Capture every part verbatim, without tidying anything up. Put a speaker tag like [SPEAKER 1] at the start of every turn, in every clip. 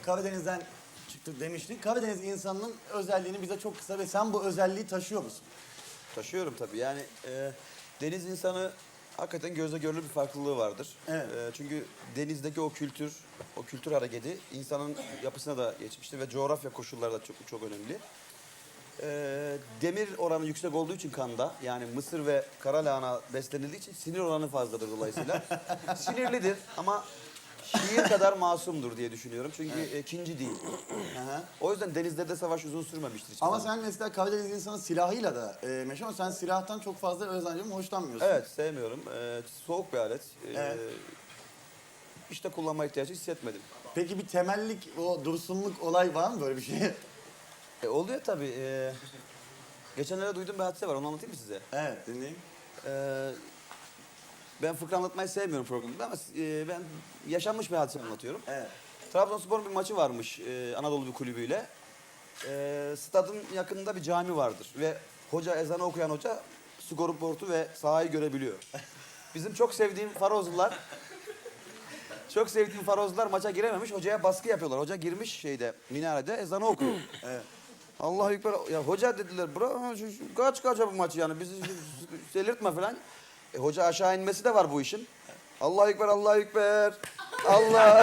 [SPEAKER 1] Karadeniz'den çıktık demiştik. Karadeniz insanının özelliğini bize çok kısa ve sen bu özelliği taşıyor musun?
[SPEAKER 2] Taşıyorum tabii. Yani e, deniz insanı hakikaten gözle görülür bir farklılığı vardır.
[SPEAKER 1] Evet.
[SPEAKER 2] E, çünkü denizdeki o kültür, o kültür hareketi insanın yapısına da geçmiştir ve coğrafya koşulları da çok çok önemli. E, demir oranı yüksek olduğu için kanda, yani mısır ve kara lahana beslenildiği için sinir oranı fazladır dolayısıyla. Sinirlidir ama şiir kadar masumdur diye düşünüyorum. Çünkü evet. ikinci değil.
[SPEAKER 1] Aha.
[SPEAKER 2] O yüzden denizde de savaş uzun sürmemiştir. hiçbir
[SPEAKER 1] Ama
[SPEAKER 2] zaman.
[SPEAKER 1] sen mesela Karadeniz insanı silahıyla da e, meşhur ama sen silahtan çok fazla özellikle hoşlanmıyorsun.
[SPEAKER 2] Evet, sevmiyorum. Ee, soğuk bir alet. Ee,
[SPEAKER 1] Evet.
[SPEAKER 2] İşte kullanma ihtiyacı hissetmedim.
[SPEAKER 1] Peki bir temellik, o dursunluk olay var mı böyle bir şey?
[SPEAKER 2] E, oluyor tabii. Ee, geçenlerde duyduğum bir hadise var. Onu anlatayım mı size?
[SPEAKER 1] Evet, dinleyeyim.
[SPEAKER 2] Ee, ben fıkra anlatmayı sevmiyorum programda ama e, ben yaşanmış bir hadise anlatıyorum.
[SPEAKER 1] Evet.
[SPEAKER 2] Trabzonspor'un bir maçı varmış e, Anadolu bir kulübüyle. E, stadın yakınında bir cami vardır ve hoca, ezanı okuyan hoca skorboardu ve sahayı görebiliyor. Bizim çok sevdiğim Farozlular çok sevdiğim Farozlular maça girememiş, hocaya baskı yapıyorlar. Hoca girmiş şeyde, minarede ezanı okuyor.
[SPEAKER 1] Evet.
[SPEAKER 2] Allahu Ekber. Ya hoca dediler, bırak şu- şu- kaç kaç bu maçı yani bizi delirtme falan. E, hoca aşağı inmesi de var bu işin. Allahu Ekber, Allahu Ekber. Allah.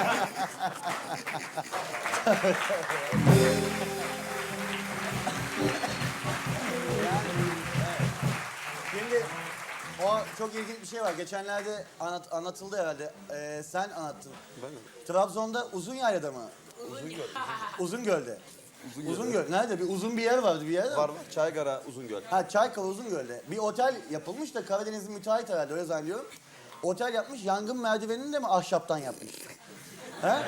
[SPEAKER 1] Şimdi o çok ilginç bir şey var. Geçenlerde anlat, anlatıldı herhalde. Ee, sen anlattın.
[SPEAKER 2] Ben mi?
[SPEAKER 1] Trabzon'da Uzunyayla'da mı?
[SPEAKER 2] Uzungöl.
[SPEAKER 1] Uzungöl'de.
[SPEAKER 2] Uzungöl'de.
[SPEAKER 1] Uzungöl. Nerede? Bir uzun bir yer vardı bir yer.
[SPEAKER 2] Var mı? Çaygara, Uzungöl.
[SPEAKER 1] Ha, Çaykala Uzungöl'de. Bir otel yapılmış da Karadeniz'in müteahhit herhalde öyle zannediyorum. Otel yapmış, yangın merdivenini de mi ahşaptan yapmış? He?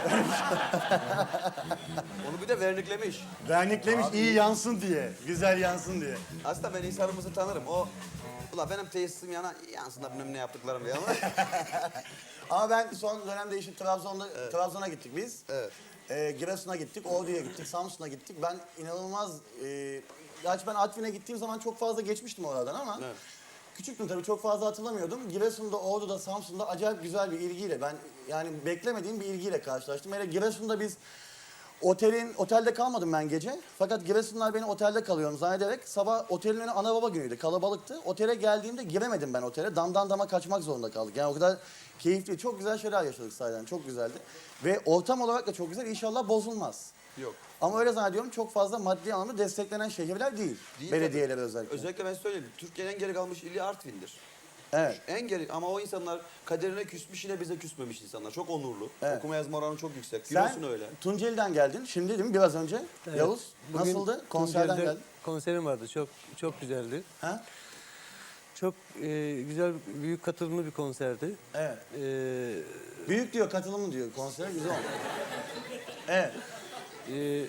[SPEAKER 2] Onu bir de verniklemiş.
[SPEAKER 1] Verniklemiş
[SPEAKER 2] Abi-
[SPEAKER 1] iyi yansın diye, güzel yansın diye.
[SPEAKER 2] Aslında ben insanımızı tanırım. O, ula benim tesisim yana yansın da bilmem ne yaptıklarım diye ama.
[SPEAKER 1] Ama ben son dönemde işte Trabzon'da, Trabzon'a gittik biz.
[SPEAKER 2] Evet.
[SPEAKER 1] Ee, Giresun'a gittik, Ordu'ya gittik, Samsun'a gittik. Ben inanılmaz... E, gerçi ben Artvin'e gittiğim zaman çok fazla geçmiştim oradan ama...
[SPEAKER 2] Evet.
[SPEAKER 1] Küçüktüm tabii, çok fazla hatırlamıyordum. Giresun'da, Ordu'da, Samsun'da acayip güzel bir ilgiyle, ben yani beklemediğim bir ilgiyle karşılaştım. Hele Giresun'da biz otelin, otelde kalmadım ben gece. Fakat Giresunlar beni otelde kalıyorum zannederek sabah otelin önü ana baba günüydü, kalabalıktı. Otele geldiğimde giremedim ben otele. Damdan dama kaçmak zorunda kaldık. Yani o kadar keyifli, çok güzel şeyler yaşadık sahiden, çok güzeldi. Ve ortam olarak da çok güzel, inşallah bozulmaz.
[SPEAKER 2] Yok.
[SPEAKER 1] Ama öyle zannediyorum, çok fazla maddi anlamda desteklenen şehirler değil.
[SPEAKER 2] Değil
[SPEAKER 1] Belediyeler
[SPEAKER 2] tabii.
[SPEAKER 1] özellikle.
[SPEAKER 2] Özellikle ben söyleyeyim. Türkiye'nin en geri kalmış ili Artvin'dir.
[SPEAKER 1] Evet.
[SPEAKER 2] En geri ama o insanlar kaderine küsmüş, yine bize küsmemiş insanlar. Çok onurlu.
[SPEAKER 1] Evet.
[SPEAKER 2] Okuma yazma oranı çok yüksek.
[SPEAKER 1] Sen
[SPEAKER 2] Giresun öyle.
[SPEAKER 1] Tunceli'den geldin. Şimdi değil mi? Biraz önce.
[SPEAKER 3] Evet.
[SPEAKER 1] Yavuz,
[SPEAKER 3] Bugün
[SPEAKER 1] nasıldı? Konserden
[SPEAKER 3] Tunceli'de
[SPEAKER 1] geldin.
[SPEAKER 3] konserim vardı. Çok çok güzeldi.
[SPEAKER 1] Ha?
[SPEAKER 3] Çok e, güzel, büyük katılımlı bir konserdi.
[SPEAKER 1] Evet.
[SPEAKER 3] E,
[SPEAKER 1] Büyük diyor, katılımı diyor. Konser güzel oldu. Evet.
[SPEAKER 3] e,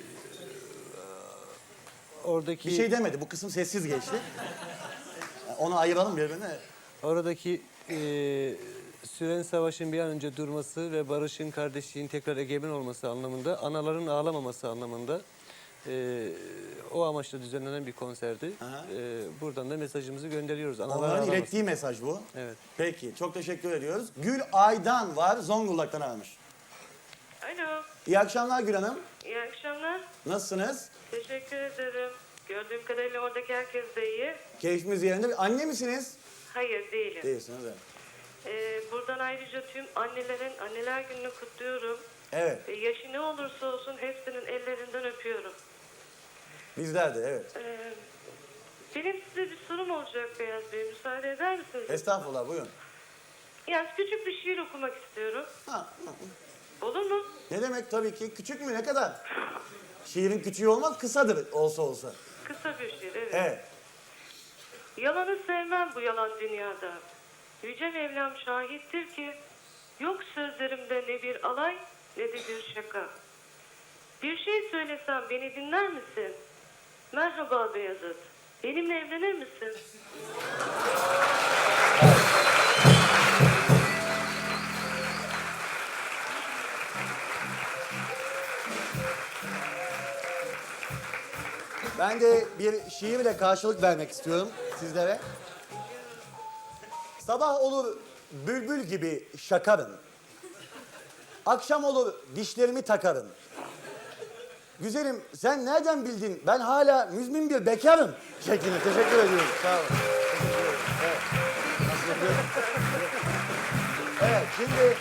[SPEAKER 3] oradaki
[SPEAKER 1] Bir şey demedi. Bu kısım sessiz geçti. Onu ayıralım birbirine.
[SPEAKER 3] oradaki e, süren savaşın bir an önce durması ve barışın, kardeşliğin tekrar egemen olması anlamında, anaların ağlamaması anlamında e, o amaçla düzenlenen bir konserdi.
[SPEAKER 1] Aha.
[SPEAKER 3] E, buradan da mesajımızı gönderiyoruz. Analar
[SPEAKER 1] Onların
[SPEAKER 3] ağlamasın.
[SPEAKER 1] ilettiği mesaj bu.
[SPEAKER 3] Evet.
[SPEAKER 1] Peki, çok teşekkür ediyoruz. Gül Aydan var, Zonguldak'tan aramış.
[SPEAKER 4] Alo,
[SPEAKER 1] İyi akşamlar Gül Hanım.
[SPEAKER 4] iyi akşamlar.
[SPEAKER 1] Nasılsınız?
[SPEAKER 4] Teşekkür ederim. Gördüğüm kadarıyla oradaki herkes de iyi.
[SPEAKER 1] Keyfimiz yerinde. Anne misiniz?
[SPEAKER 4] Hayır, değilim.
[SPEAKER 1] Değilsiniz, evet.
[SPEAKER 4] Ee, buradan ayrıca tüm annelerin anneler gününü kutluyorum.
[SPEAKER 1] Evet,
[SPEAKER 4] Ee, yaşı ne olursa olsun hepsinin ellerinden öpüyorum.
[SPEAKER 1] bizler de evet.
[SPEAKER 4] Ee, benim size bir sorum olacak Beyaz Bey. Müsaade eder misiniz?
[SPEAKER 1] Estağfurullah, buyurun.
[SPEAKER 4] Yani küçük bir şiir okumak istiyorum.
[SPEAKER 1] Ha,
[SPEAKER 4] Olur mu?
[SPEAKER 1] ne demek tabii ki? Küçük mü, ne kadar? Şiirin küçüğü olmaz, kısadır olsa olsa.
[SPEAKER 4] Kısa bir şiir, evet.
[SPEAKER 1] Evet.
[SPEAKER 4] Yalanı sevmem bu yalan dünyada. Yüce Mevlam şahittir ki yok sözlerimde ne bir alay ne de bir şaka. Bir şey söylesem beni dinler misin? Merhaba Beyazıt. Benimle evlenir misin?
[SPEAKER 1] Ben de bir şiirle karşılık vermek istiyorum sizlere. Sabah olur bülbül gibi şakarım. Akşam olur dişlerimi takarım. güzelim sen nereden bildin? Ben hala müzmin bir bekarım şeklinde. Teşekkür ediyorum. Sağ olun. Teşekkür ederim. Evet. Nasıl yapıyorum? Evet, şimdi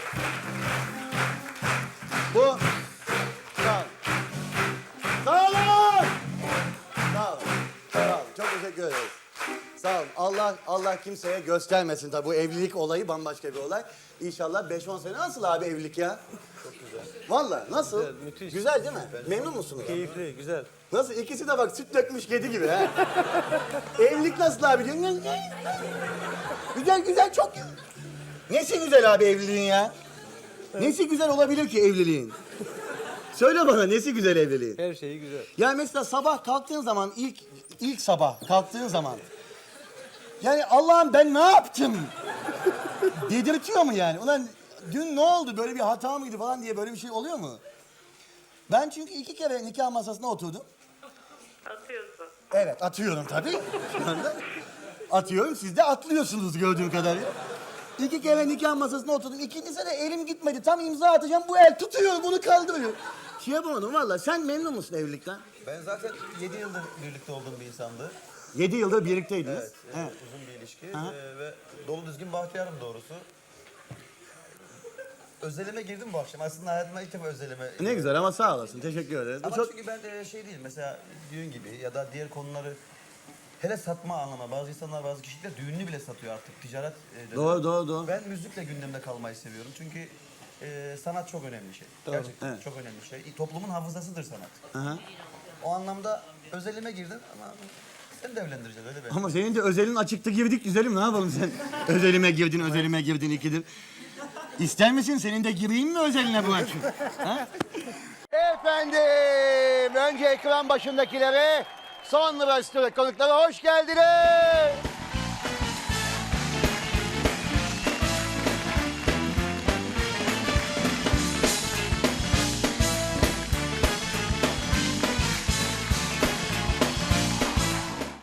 [SPEAKER 1] bu sağ olun. Sağ olun. Sağ olun. Sağ olun. Çok teşekkür ederiz. Sağ olun. Allah Allah kimseye göstermesin tabii bu evlilik olayı bambaşka bir olay. İnşallah beş on sene nasıl abi evlilik ya? Çok güzel. Vallahi nasıl?
[SPEAKER 3] Güzel, müthiş.
[SPEAKER 1] Güzel değil mi? Memnun musunuz?
[SPEAKER 3] Keyifli, güzel.
[SPEAKER 1] Nasıl? İkisi de bak süt dökmüş kedi gibi ha. Evlilik nasıl abi diyorsun? Güzel güzel çok güzel. Nesi güzel abi evliliğin ya? Nesi güzel olabilir ki evliliğin? Söyle bana nesi güzel evliliğin?
[SPEAKER 3] Her şeyi güzel.
[SPEAKER 1] Ya mesela sabah kalktığın zaman ilk ilk sabah kalktığın zaman yani Allah'ım ben ne yaptım? Dedirtiyor mu yani? Ulan dün ne oldu? Böyle bir hata mıydı falan diye böyle bir şey oluyor mu? Ben çünkü iki kere nikah masasına oturdum.
[SPEAKER 4] Atıyorsun.
[SPEAKER 1] Evet atıyorum tabii. Şu anda atıyorum. Siz de atlıyorsunuz gördüğüm kadarıyla. İki kere nikah masasına oturdum. İkincisi de elim gitmedi. Tam imza atacağım. Bu el tutuyor bunu kaldırıyor. Şey yapamadım valla. Sen memnun musun evlilikten?
[SPEAKER 2] Ben zaten yedi yıldır birlikte olduğum bir insandı.
[SPEAKER 1] Yedi yıldır birlikteydiniz.
[SPEAKER 2] Evet, e,
[SPEAKER 1] Evet.
[SPEAKER 2] uzun bir ilişki
[SPEAKER 1] Aha.
[SPEAKER 2] e, ve dolu düzgün bahtiyarım doğrusu. Özelime girdim bu akşam. Aslında hayatıma ilk defa özelime...
[SPEAKER 1] Ne güzel ama sağ olasın. Teşekkür ederiz. Bu
[SPEAKER 2] Ama
[SPEAKER 1] çok...
[SPEAKER 2] çünkü ben e, şey değil mesela düğün gibi ya da diğer konuları hele satma anlamına bazı insanlar bazı kişiler düğününü bile satıyor artık ticaret. E,
[SPEAKER 1] Doğru doğru doğru.
[SPEAKER 2] Ben müzikle gündemde kalmayı seviyorum çünkü e, sanat çok önemli bir şey.
[SPEAKER 3] Doğru.
[SPEAKER 2] Gerçekten
[SPEAKER 1] Evet.
[SPEAKER 2] çok önemli bir şey. Toplumun hafızasıdır sanat.
[SPEAKER 1] Aha.
[SPEAKER 2] O anlamda özelime girdin ama seni de evlendireceğiz öyle be.
[SPEAKER 1] Ama senin de özelin açıktı girdik güzelim. Ne yapalım sen? Özelime girdin, özelime girdin ikidir. İster misin? Senin de gireyim mi özeline bu akşam? Ha? Efendim, önce ekran başındakilere, sonra stüdyo konuklara hoş geldiniz.